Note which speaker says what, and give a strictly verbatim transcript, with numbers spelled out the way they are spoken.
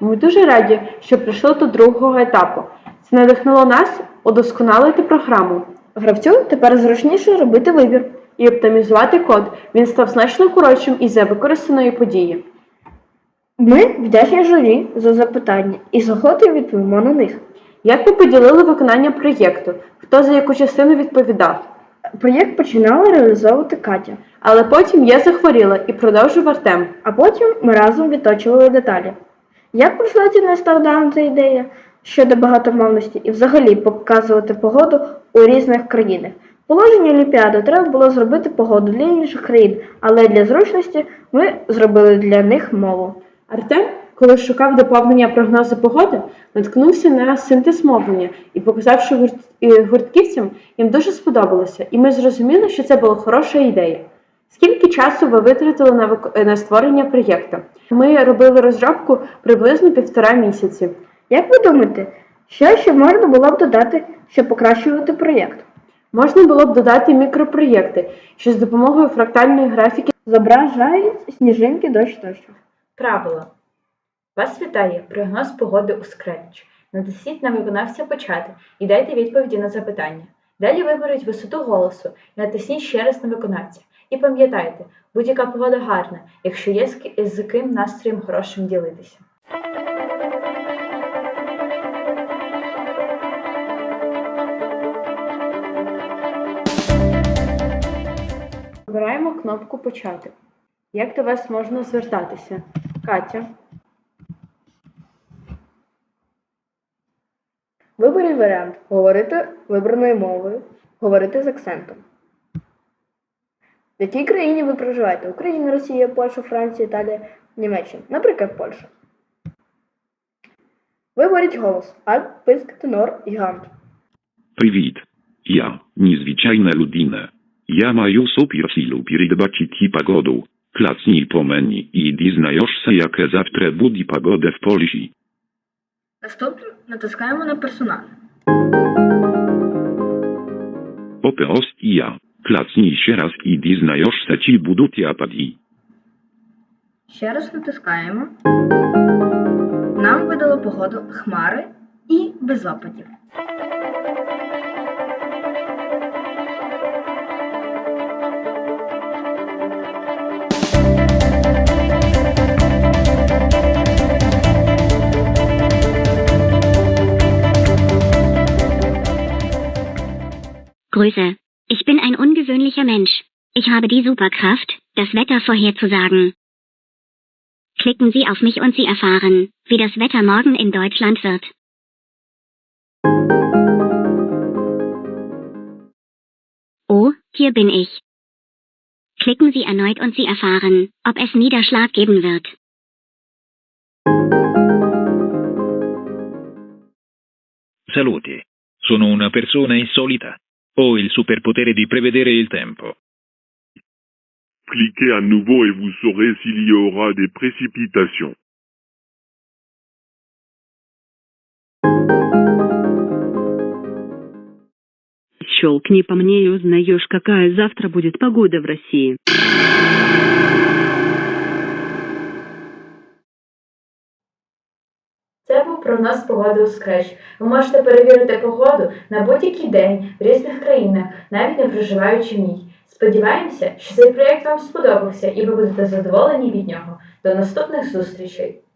Speaker 1: Ми дуже раді, що прийшли до другого етапу. Це надихнуло нас удосконалити програму.
Speaker 2: Гравцю тепер зручніше робити вибір.
Speaker 1: І оптимізувати код. Він став значно коротшим із-за використаної події.
Speaker 2: Ми вдячні журі за запитання і з охотою відповімо на них.
Speaker 1: Як ви поділили виконання проєкту? Хто за яку частину відповідав?
Speaker 2: Проєкт починала реалізовувати Катя,
Speaker 1: Але потім я захворіла і продовжив Артем.
Speaker 2: а потім ми разом відточували деталі. Як прийшла ці нестардам ця ідея щодо багатомовності і взагалі показувати погоду у різних країнах? Положення Олімпіади треба було зробити погоду для інших країн, але для зручності ми зробили для них мову.
Speaker 1: Артем, коли шукав доповнення прогнозу погоди, наткнувся на синтез мовлення і, показавши гурт... і гуртківцям, їм дуже сподобалося, і ми зрозуміли, що це була хороша ідея. Скільки часу ви витратили на, вик... на створення проєкту? Ми робили розробку приблизно півтора місяці.
Speaker 2: Як ви думаєте, що ще можна було б додати, щоб покращувати проєкт?
Speaker 1: Можна було б додати мікропроєкти, що з допомогою фрактальної графіки
Speaker 2: Зображають сніжинки, дощ тощо.
Speaker 3: Правило. Вас вітає прогноз погоди у Scratch. Натисніть на виконавця «Почати» і дайте відповіді на запитання. Далі виберіть висоту голосу і натисніть ще раз на виконавця. І пам'ятайте, будь-яка погода гарна, якщо є з ки- з ким настроєм хорошим ділитися.
Speaker 1: Обираємо кнопку «Почати». Як до вас можна звертатися? Катя.
Speaker 2: Виберіть варіант говорити вибраною мовою, говорити з акцентом. В якій країні ви проживаєте? Україна, Росія, Польща, Франція, Італія, Німеччина. Наприклад, Польща. Виберіть голос. Альт, писк, тенор, гігант.
Speaker 4: Привіт. Я, незвичайна людина. Я маю суперсилу передбачити погоду. Клацнij по мені і дізнаєшся, яке завтра буде погода в Польщі.
Speaker 2: Наступно натискаємо на персонаж.
Speaker 4: Попероst я. Клацнij ще раз і дізнаєшся, чи будуть опади.
Speaker 2: Ще раз натискаємо. Нам видало погоду хмари і без опадів.
Speaker 5: Grüße. Ich bin ein ungewöhnlicher Mensch. Ich habe die Superkraft, das Wetter vorherzusagen. Klicken Sie auf mich und Sie erfahren, wie das Wetter morgen in Deutschland wird. Oh, hier bin ich. Klicken Sie erneut und Sie erfahren, ob es Niederschlag geben wird.
Speaker 6: Salute. Sono una persona insolita. Ho il superpotere di prevedere il tempo.
Speaker 7: Cliquez à nouveau et vous saurez s'il y aura des précipitations.
Speaker 8: Щелкни по мне и узнаешь, какая завтра будет погода в России.
Speaker 3: Це був прогноз погоди у Scratch. Ви можете перевірити погоду на будь-який день в різних країнах, навіть не проживаючи в ній. Сподіваємося, що цей проєкт вам сподобався і ви будете задоволені від нього. До наступних зустрічей!